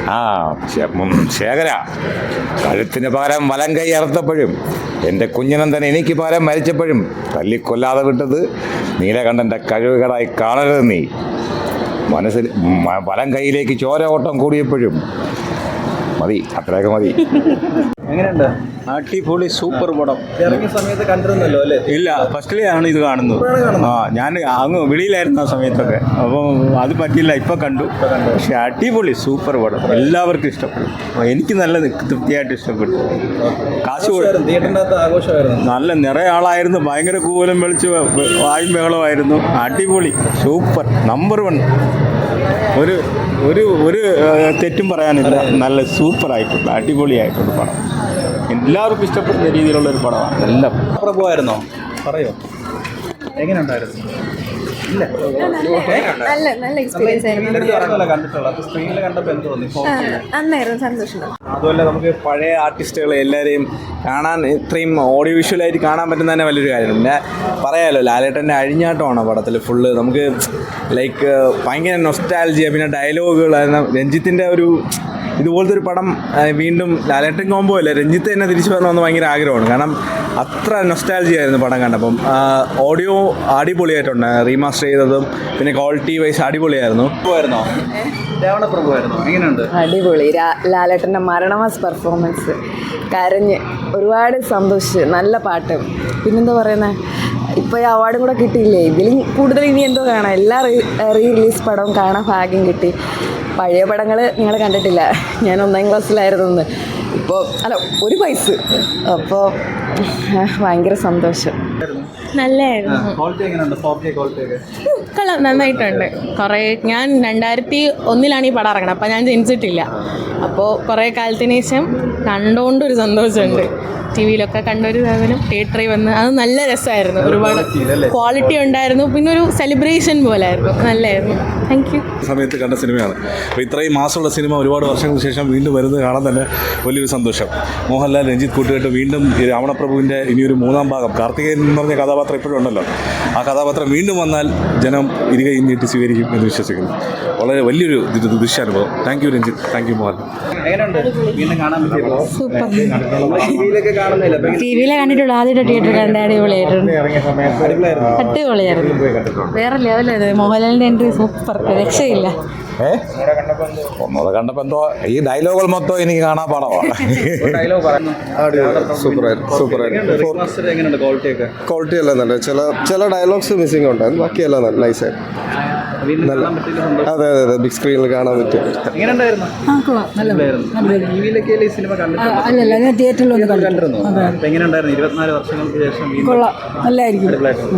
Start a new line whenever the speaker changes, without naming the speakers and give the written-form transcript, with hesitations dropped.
ആ ശേഖര, കഴുത്തിന് പകരം വലം കൈ അറുത്തപ്പോഴും എൻ്റെ കുഞ്ഞനന്ദൻ എനിക്ക് പകരം മരിച്ചപ്പോഴും തല്ലിക്കൊല്ലാതെ വിട്ടത് നീലകണ്ഠൻ്റെ കഴിവുകളായി കാണരുത് നീ. മനസ്സിൽ വലം കൈയിലേക്ക് ചോര ഓട്ടം കൂടിയപ്പോഴും മതി, അത്രയൊക്കെ മതി.
എങ്ങനെയുണ്ട്?
അടിപൊളി സൂപ്പർ പടം.
ഇറങ്ങിയ സമയത്ത് കണ്ടിരുന്നല്ലോ അല്ലേ?
ഇല്ല, ഫസ്റ്റിലെയാണ് ഇത് കാണുന്നത്. ഞാൻ അങ്ങ് വെളിയിലായിരുന്നു ആ സമയത്തൊക്കെ, അപ്പം അത് പറ്റില്ല, ഇപ്പം കണ്ടു. പക്ഷെ അടിപൊളി സൂപ്പർ പടം, എല്ലാവർക്കും ഇഷ്ടപ്പെടും. എനിക്ക് നല്ല തൃപ്തിയായിട്ട് ഇഷ്ടപ്പെട്ടു. കാശ് നല്ല നിറയെ ആളായിരുന്നു, ഭയങ്കര കൂലം വിളിച്ച് വായും ബഹളമായിരുന്നു. അടിപൊളി സൂപ്പർ നമ്പർ 1. ഒരു ഒരു ഒരു തെറ്റും പറയാനില്ല, നല്ല സൂപ്പറായിട്ടുണ്ട്, അടിപൊളിയായിട്ടുണ്ട് പടം. എല്ലാവർക്കും ഇഷ്ടപ്പെടുന്ന രീതിയിലുള്ളൊരു പടമാണ്. എല്ലാം
പ്രഭുവായിരുന്നോ? പറയോ, എങ്ങനെയുണ്ടായിരുന്നു? ഇല്ല,
നല്ല എക്സ്പീരിയൻസ് ആയിരുന്നു.
സ്ക്രീനിൽ കണ്ടപ്പോൾ എന്ത് തോന്നി?
നന്നായിരുന്നു, സന്തോഷം.
അതുപോലെ നമുക്ക് പഴയ ആർട്ടിസ്റ്റുകളെ എല്ലാവരെയും കാണാൻ, ഇത്രയും ഓഡിയോ വിഷ്വലായിട്ട് കാണാൻ പറ്റുന്ന തന്നെ വലിയൊരു കാര്യമാണ്. പിന്നെ പറയാമല്ലോ, ലാലേട്ടൻ്റെ അഴിഞ്ഞാട്ടമാണ് പടത്തിൽ ഫുള്ള്. നമുക്ക് ലൈക്ക് ഭയങ്കര നൊസ്റ്റാൾജിയ, പിന്നെ ഡയലോഗുകൾ. രഞ്ജിത്തിൻ്റെ ഒരു ഇതുപോലത്തെ ഒരു പടം വീണ്ടും ലാലേട്ടൻ കോമ്പോ അല്ലേ, രഞ്ജിത്ത് തന്നെ തിരിച്ചു വരണമെന്ന് ഭയങ്കര ആഗ്രഹമാണ്. കാരണം അത്ര നൊസ്റ്റാൾജി ആയിരുന്നു പടം കണ്ടപ്പം. ഓഡിയോ അടിപൊളിയായിട്ടുണ്ട്, റീമാസ്റ്റർ ചെയ്തതും പിന്നെ ക്വാളിറ്റി വൈസ് അടിപൊളിയായിരുന്നു. എങ്ങനെയുണ്ട്?
അടിപൊളി. ലാലേട്ടൻ്റെ മരണമാസ് പെർഫോമൻസ്, കരഞ്ഞ് ഒരുപാട് സന്തോഷിച്ച്, നല്ല പാട്ട്. പിന്നെന്താ പറയുന്നത്, ഇപ്പോൾ ഈ അവാർഡും കൂടെ കിട്ടിയില്ലേ, ഇതിലും കൂടുതൽ ഇനി എന്തോ കാണാം. എല്ലാ റീ റിലീസ് പടവും കാണാൻ ഭാഗ്യം കിട്ടി. പഴയ പടങ്ങൾ നിങ്ങൾ കണ്ടിട്ടില്ല, ഞാൻ 1ാം ക്ലാസ്സിലായിരുന്നു. ഇപ്പോൾ ഒരു വയസ്സ്. അപ്പോൾ ഭയങ്കര സന്തോഷം.
നല്ലായിരുന്നു, കൊള്ളാം, നന്നായിട്ടുണ്ട്. കുറേ ഞാൻ 2001 ഈ പടം ഇറങ്ങണം, അപ്പോൾ ഞാൻ ജനിച്ചിട്ടില്ല. അപ്പോൾ കുറേ കാലത്തിന് ശേഷം കണ്ടുകൊണ്ടൊരു സന്തോഷമുണ്ട്. ടി വിയിലൊക്കെ കണ്ടൊരു സാധനം തിയേറ്ററിൽ വന്ന് അത് നല്ല രസമായിരുന്നു. ഒരുപാട് ക്വാളിറ്റി ഉണ്ടായിരുന്നു, പിന്നെ ഒരു സെലിബ്രേഷൻ പോലായിരുന്നു, നല്ലതായിരുന്നു. Thank you.
സമയത്ത് കണ്ട സിനിമയാണ്. അപ്പോൾ ഇത്രയും മാസമുള്ള സിനിമ ഒരുപാട് വർഷങ്ങൾക്ക് ശേഷം വീണ്ടും വരുന്നത് കാണാൻ തന്നെ വലിയൊരു സന്തോഷം. മോഹൻലാൽ, രഞ്ജിത്ത് കൂട്ടുകെട്ട് വീണ്ടും ഈ രാവണപ്രഭുവിൻ്റെ ഇനിയൊരു 3ാം ഭാഗം, കാർത്തികേയൻ എന്ന് പറഞ്ഞ കഥാപാത്രം ഇപ്പോഴും ഉണ്ടല്ലോ, ആ കഥാപാത്രം വീണ്ടും വന്നാൽ ജനം ഇരുകൈ നീട്ടി സ്വീകരിക്കും എന്ന് വിശ്വസിക്കുന്നു. വളരെ വലിയൊരു ദൃശ്യാനുഭവം. Thank you Ranjith, thank you Mohan.
Super.
ടി വിയിൽ കണ്ടിട്ടുള്ളൂ, ആദ്യമായിട്ട് തിയേറ്ററിൽ കണ്ട. അടിപൊളിയായിട്ടുണ്ട്, അടിപൊളിയായിരുന്നു, വേറെ ലെവലത്. മോഹൻലാലിൻ്റെ എൻട്രി സൂപ്പർ, രക്ഷയില്ല.
ഒന്നൂടെ കണ്ടപ്പോൾ എന്തോ ഈ ഡയലോഗുകൾ മൊത്തം എനിക്ക് കാണാൻ പാടമാണ്.
ക്വാളിറ്റി എല്ലാം നല്ല, ചില ഡയലോഗ്സ് മിസ്സിംഗ് ഉണ്ടായിരുന്നു, ബാക്കിയെല്ലാം നല്ല നൈസായിരുന്നു. അതെ, ബിഗ് സ്ക്രീനിൽ കാണാൻ പറ്റും.
അല്ലല്ല, ഞാൻ തിയേറ്ററിൽ
കണ്ടിരുന്നു. എങ്ങനെയുണ്ടായിരുന്നു? 24 വർഷങ്ങൾക്ക് ശേഷം
കൊള്ളാം, നല്ലായിരിക്കും.